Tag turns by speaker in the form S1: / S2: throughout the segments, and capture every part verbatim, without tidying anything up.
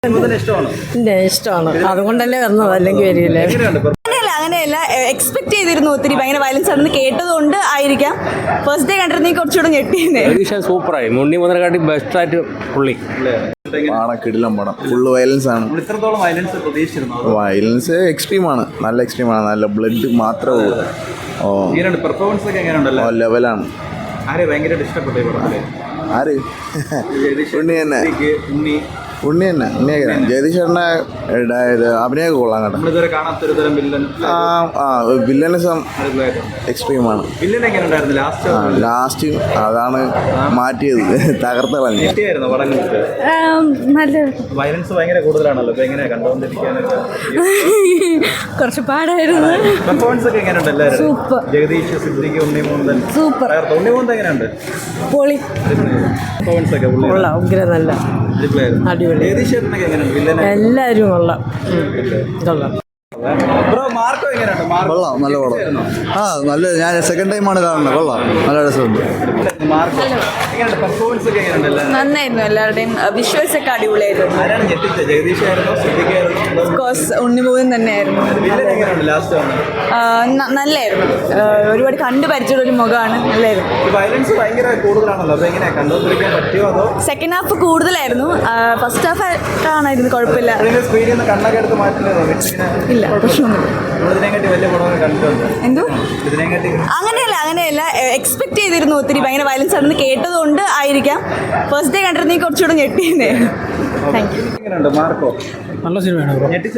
S1: ഇഷ്ടമാണ്, അതുകൊണ്ടല്ലേ വന്നത്, അല്ലെങ്കിൽ വരില്ലേ. അങ്ങനെയല്ല അങ്ങനെയല്ല എക്സ്പെക്ട് ചെയ്തിരുന്നു ഒത്തിരി ഭയങ്കര വയലൻസ് ആണെന്ന് കേട്ടതുകൊണ്ട് ആയിരിക്കാം. ഫസ്റ്റ് ഡേ കണ്ടിരുന്നെങ്കിൽ കുറച്ചുകൂടെ ഞെട്ടിയിരുന്നേ.
S2: സൂപ്പറായി, മുന്നി മുതലെക്കാട്ടി ബെസ്റ്റ് ആയിട്ട് പുള്ളി
S3: കിടിലം പടം. ഫുള്ള് വയലൻസ് ആണ്. വയലൻസ് എക്സ്ട്രീം ആണ്, നല്ല എക്സ്ട്രീം ആണ്, നല്ല ബ്ലഡ് മാത്രമേ ഉള്ളൂ. ഓ ലെവലാണ്. ആര് ഉണ്ണി തന്നെ ഉണ്ണി തന്നെ ഉണ്ണിയൊക്കെ ജഗദീഷ് ചേട്ടൻ്റെ അഭിനയമൊക്കെ കൊള്ളാം കേട്ടോ. ആ വില്ലനിസം എക്സ്ട്രീമാണ്. ലാസ്റ്റ് അതാണ് മാറ്റിയത്, തകർത്ത് കളഞ്ഞു.
S1: കുറച്ച് പാടായിരുന്നു. സൂപ്പർ പൊളി, ഉഗ്ര, നല്ല അടിപൊളി, എല്ലാവരും കൊള്ളാം കൊള്ളാം.
S3: കൊള്ളാം, നല്ല പടം. ആ നല്ല, ഞാൻ സെക്കൻഡ് ടൈമാണ് കാണുന്നത്. കൊള്ളാം, നല്ല രസമുണ്ട്.
S1: നന്നായിരുന്നു, എല്ലാവരുടെയും വിഷ്വൽസ് ഒക്കെ അടിപൊളിയായിരുന്നു. ഉണ്ണിമൂവൻ തന്നെയായിരുന്നു, നല്ലായിരുന്നു. ഒരുപാട് കണ്ടു പരിചയമുള്ള ഒരു മുഖമാണ്, നല്ലായിരുന്നു. സെക്കൻഡ് ഹാഫ് കൂടുതലായിരുന്നു, ഫസ്റ്റ് ഹാഫ് കാണായിരുന്നു, കുഴപ്പമില്ല. ഇല്ല പ്രശ്നമൊന്നുമില്ല. എന്തോ അങ്ങനെയല്ല അങ്ങനെയല്ല എക്സ്പെക്ട് ചെയ്തിരുന്നു ഒത്തിരി ഭയങ്കര വയലൻസ് ആണെന്ന് കേട്ടതുകൊണ്ട് ആയിരിക്കാം. ഫസ്റ്റ് ഡേ കണ്ടിരുന്നെങ്കിൽ കുറച്ചുകൂടെ ഞെട്ടിയിരുന്നേ. Thank you.
S2: നല്ല സിനിമയാണ്.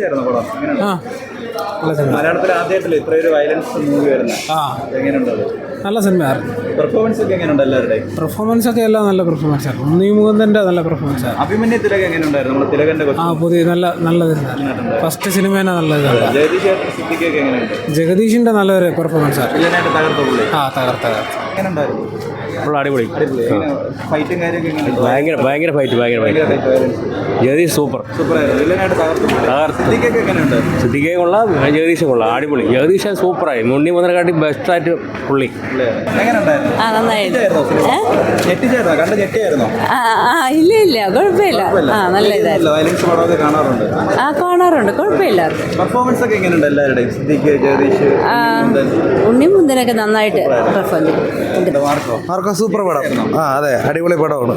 S4: മലയാളത്തിൽ ആദ്യമായിട്ടല്ലേ ഇത്രയൊരു വയലൻസ് മൂവി വരുന്നത്? എങ്ങനെയുണ്ടത്?
S2: നല്ല സിനിമയാണ്.
S4: പെർഫോമൻസ് ഒക്കെ എങ്ങനെയുണ്ട് എല്ലാവരുടെയും?
S2: പെർഫോമൻസ് ഒക്കെ എല്ലാം നല്ല പെർഫോമൻസ് ആണ്. ഉണ്ണി മുകുന്ദൻ്റെ നല്ല പെർഫോമൻസ് ആണ്.
S4: അഭിമന്യു തിലകൻ എങ്ങനെയുണ്ടായിരുന്നു? നമ്മുടെ തിലകന്റെ
S2: ആ പുതിയ നല്ല നല്ലതായിരുന്നു. ഫസ്റ്റ് സിനിമ തന്നെ നല്ലതാണ്.
S4: ജഗദീഷ് സിദ്ദിഖൊക്കെ എങ്ങനെയുണ്ട്?
S2: ജഗദീഷിന്റെ നല്ലൊരു പെർഫോമൻസ് ആണ്.
S4: വില്ലനായിട്ട് തകർത്ത പുള്ളി.
S2: ആ തകർത്ത തകർത്ത
S4: എങ്ങനെയുണ്ടായിരുന്നു?
S2: അടിപൊളി.
S4: ഫൈറ്റും കാര്യമൊക്കെ എങ്ങനെയുണ്ട്?
S2: ഭയങ്കര ഭയങ്കര ഫൈറ്റ് ഭയങ്കര ജഗദീഷ് സൂപ്പർ
S4: സൂപ്പറായിരുന്നു. വില്ലനായിട്ട് തകർത്ത സിദ്ദിഖൊക്കെ എങ്ങനെയുണ്ട്?
S2: സിദ്ദിഖയെ കൊള്ളാം, ജഗദീഷ് കൊള്ളാം, അടിപൊളി. ജഗദീഷ് സൂപ്പറായി, മുന്നി മുതലെക്കാട്ടി ബെസ്റ്റ് ആയിട്ട് പുള്ളി.
S4: എങ്ങനെയുണ്ടായിരുന്നു? ഞെട്ടിച്ചായിരുന്നോ? കണ്ട് ഞെട്ടിയായിരുന്നോ?
S1: ഇല്ല ഇല്ല കുഴപ്പമില്ല. ആ നല്ല ഇതായിരുന്നു.
S4: വയലൻസ് പടമൊക്കെ കാണാറുണ്ട്?
S1: ആ കാണാറുണ്ട്, കുഴപ്പമില്ല.
S4: പെർഫോമൻസ് ഒക്കെ എങ്ങനെയുണ്ട് എല്ലാവരുടെയും? സിദ്ദിഖ്, ജഗദീഷ്,
S1: ഉണ്ണി മുന്തനൊക്കെ നന്നായിട്ട് പെർഫോം ചെയ്തു.
S3: ആർക്കോ സൂപ്പർ പടം. ആ അതെ, അടിപൊളി പടമാണ്.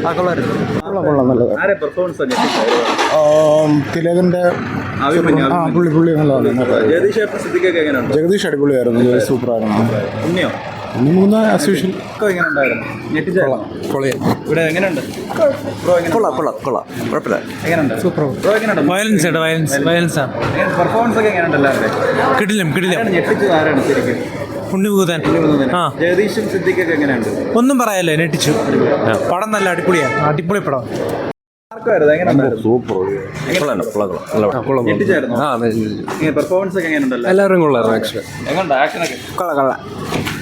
S3: തിലകന്റെ പുള്ളി പുള്ളി നല്ലതാണ്. ജഗദീഷ് അടിപൊളിയായിരുന്നു, ജഗദീഷ് സൂപ്പറായിരുന്നു.
S4: ഉണ്ണിയോ?
S3: ഉണ്ണി മൂന്ന് അസ്യൂഷ്യൽ
S4: ഇവിടെ എങ്ങനെയുണ്ട്?
S3: കൊള്ളാം കൊള്ളാം കൊള്ളാം, കുഴപ്പമില്ല.
S4: എങ്ങനെയുണ്ട്? സൂപ്പർ.
S2: വയലൻസ് വയലൻസ് വയലൻസ് ആണ്.
S4: പെർഫോമൻസ് ഒക്കെ എങ്ങനെയുണ്ട് എല്ലാവരുടെയും?
S2: കിടിലം കിടിലം.
S4: ഞെട്ടിച്ചത് ആരാണ് ശരിക്കും?
S2: ഉണ്ണി മുകുന്ദൻ. ആ
S4: ജഗദീഷും സിദ്ദിഖൊക്കെ എങ്ങനെയുണ്ട്?
S2: ഒന്നും പറയാല്ലേ, നെട്ടിച്ചു. പടം നല്ല അടിപൊളിയാണ്, അടിപൊളി പടം.
S4: പെർഫോമൻസ് ഒക്കെ എങ്ങനെയുണ്ടല്ലോ?
S2: എല്ലാവരും കൊള്ളാം.
S4: എങ്ങനെയുണ്ട് ആക്ഷനൊക്കെ?
S3: കൊള്ളാം കൊള്ളാം.